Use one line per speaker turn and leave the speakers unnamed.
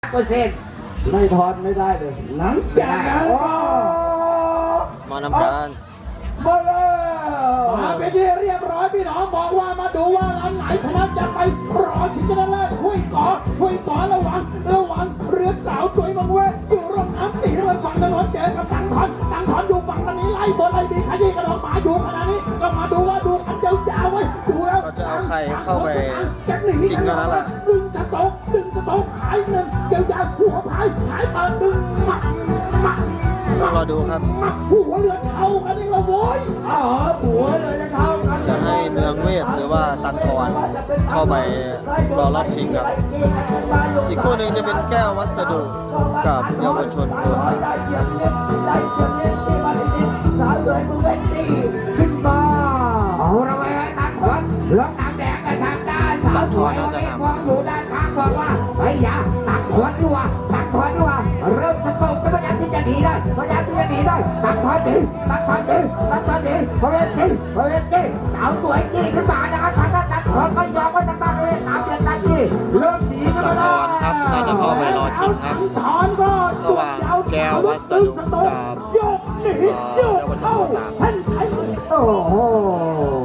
ไม่ถอนไม่ได้เลยหลังจากนั้น
มานำการ
มาแล้วมาเป็นที่เรียบร้อยพี่น้องบอกว่ามาดูว่าลำไหนชนะจะไปรอชิงชนะเลิศคุยก่อระหว่างเรือสาวสวยมังเวอยู่ร่องน้ำสีน้ำเงินฝั่งถนนเจอกับตังถอนอยู่ฝั่งตรงนี้ไล่บนไล่ดีขยี้กระดองหมาอยู่ขณะนี้ก็มาดูว่าดูกันยาวๆไว้ดูแล้ว
ก็จะเอาใครเข้าไปชิงกันนั่นแหละ
ดึงจะตกหายเงินยาวๆหัวพายหายเปิดดึงมัด
ต้องรอดูครับ
หัวเรือเท่ากันนี่ละโว้ยหัวเรือจะเท่ากัน
จะให้เมืองเวทหรือว่าตังกรเข้าไปรอรอบชิงครับอีกคู่หนึ่งจะเป็นแก้ววัสดุกับเยาวชนโคราช
ได้เกียรติที่มาติดสาวเลยมึงเป็นดีขึ้นมาเอาละเว้ยตังถอนแล้วตังแดงกันทางด้านสาวสวยมีความอยู่ด้านข้างบอกว่าเฮ้ยอย่าตังถอนดีกว่าเริ่มจะตกก็พยายามที่จะหนีได้ตังถอนดีพอเวทีสาวสวยจี้ขึ้นมานะครับทางด้านตังถอนไม่ยอมว่าจะตั้งเลยน้ำเดือดตังจี้เริ่มหนีกันมาแล้ว
ครับน่าจะเข้าไปรอชิงครับ
ถอนก็
ระหว่างแก้ววัสดุกับ
โยกหนีโยกเข้าท่านใช้โอ้โห